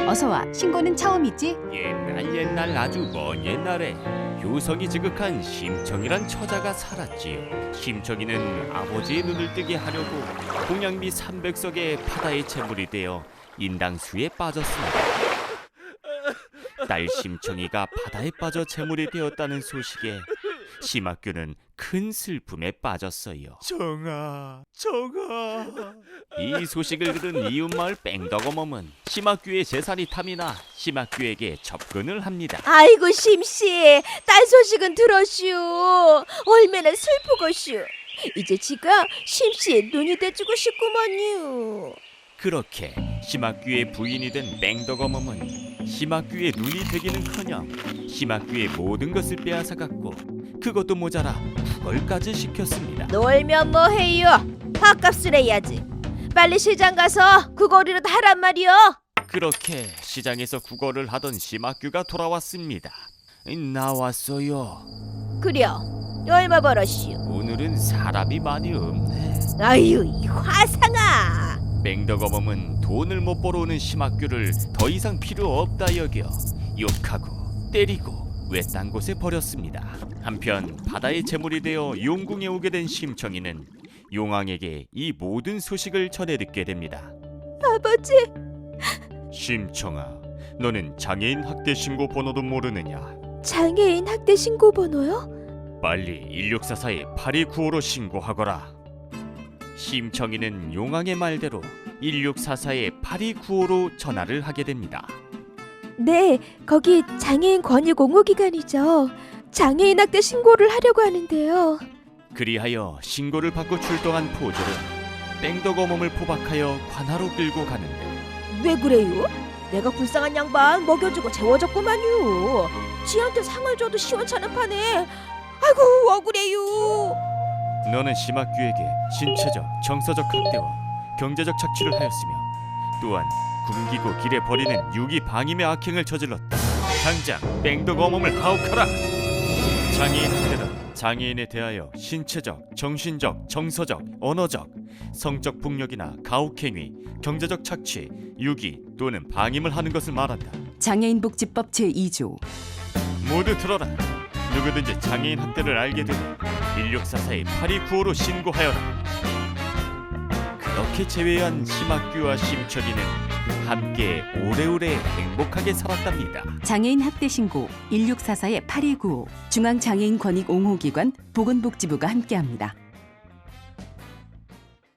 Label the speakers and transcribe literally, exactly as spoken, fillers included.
Speaker 1: 어서와. 신고는 처음이지?
Speaker 2: 옛날 옛날 아주 먼 옛날에 효성이 지극한 심청이란 처자가 살았지요. 심청이는 아버지의 눈을 뜨게 하려고 동양미 삼백석의 바다의 재물이 되어 인당수에 빠졌습니다. 딸 심청이가 바다에 빠져 재물이 되었다는 소식에 심학규는 큰 슬픔에 빠졌어요.
Speaker 3: 정아, 정아.
Speaker 2: 이 소식을 들은 이웃마을 뺑덕어멈은 심학규의 재산이 탐이 나 심학규에게 접근을 합니다.
Speaker 4: 아이고 심씨, 딸 소식은 들었슈. 얼마나 슬프고슈. 이제 지가 심씨의 눈이 돼주고 싶구먼요.
Speaker 2: 그렇게 심학규의 부인이 된 뺑덕어멈은 심학규의 눈이 되기는커녕 심학규의 모든 것을 빼앗아갔고 그것도 모자라 구걸까지 시켰습니다.
Speaker 4: 놀면 뭐해요? 밥값을 해야지. 빨리 시장 가서 그거리라도 하란 말이요.
Speaker 2: 그렇게 시장에서 구걸을 하던 심학규가 돌아왔습니다. 나왔어요.
Speaker 4: 그려, 얼마 벌었슈?
Speaker 2: 오늘은 사람이 많이 없네.
Speaker 4: 아유, 이 화상아.
Speaker 2: 맹덕어멈은 돈을 못 벌어오는 심학규를 더 이상 필요 없다 여겨 욕하고 때리고 외딴 곳에 버렸습니다. 한편 바다의 재물이 되어 용궁에 오게 된 심청이는 용왕에게 이 모든 소식을 전해 듣게 됩니다.
Speaker 4: 아버지.
Speaker 2: 심청아, 너는 장애인 학대 신고 번호도 모르느냐?
Speaker 4: 장애인 학대 신고 번호요?
Speaker 2: 빨리 일육사사에 팔이구오로 신고하거라. 심청이는 용왕의 말대로 일육사사에 팔이구오로 전화를 하게 됩니다.
Speaker 4: 네, 거기 장애인 권익 옹호 기관이죠. 장애인 학대 신고를 하려고 하는데요.
Speaker 2: 그리하여 신고를 받고 출동한 포졸은 뺑덕어멈을 포박하여 관하로 끌고 가는데
Speaker 4: 왜 그래요? 내가 불쌍한 양반 먹여주고 재워줬구만요. 지한테 상을 줘도 시원찮은 판에. 아이고 억울해요.
Speaker 2: 너는 심학규에게 신체적, 정서적 학대와 경제적 착취를 하였으며 또한 굶기고 길에 버리는 유기 방임의 악행을 저질렀다. 당장 뺑덕어멈을 가혹하라. 장애인 학대는 장애인에 대하여 신체적, 정신적, 정서적, 언어적, 성적 폭력이나 가혹행위, 경제적 착취, 유기 또는 방임을 하는 것을 말한다.
Speaker 1: 장애인복지법 제이조.
Speaker 2: 모두 들어라. 누구든지 장애인 학대를 알게 되면 일육사사에 팔이구오로 신고하여라. 그렇게 제외한 심학규와 심청이는 함께 오래오래 행복하게 살았답니다.
Speaker 1: 장애인 학대 신고 일육사사에 팔이구오. 중앙장애인 권익 옹호기관 보건복지부가 함께합니다.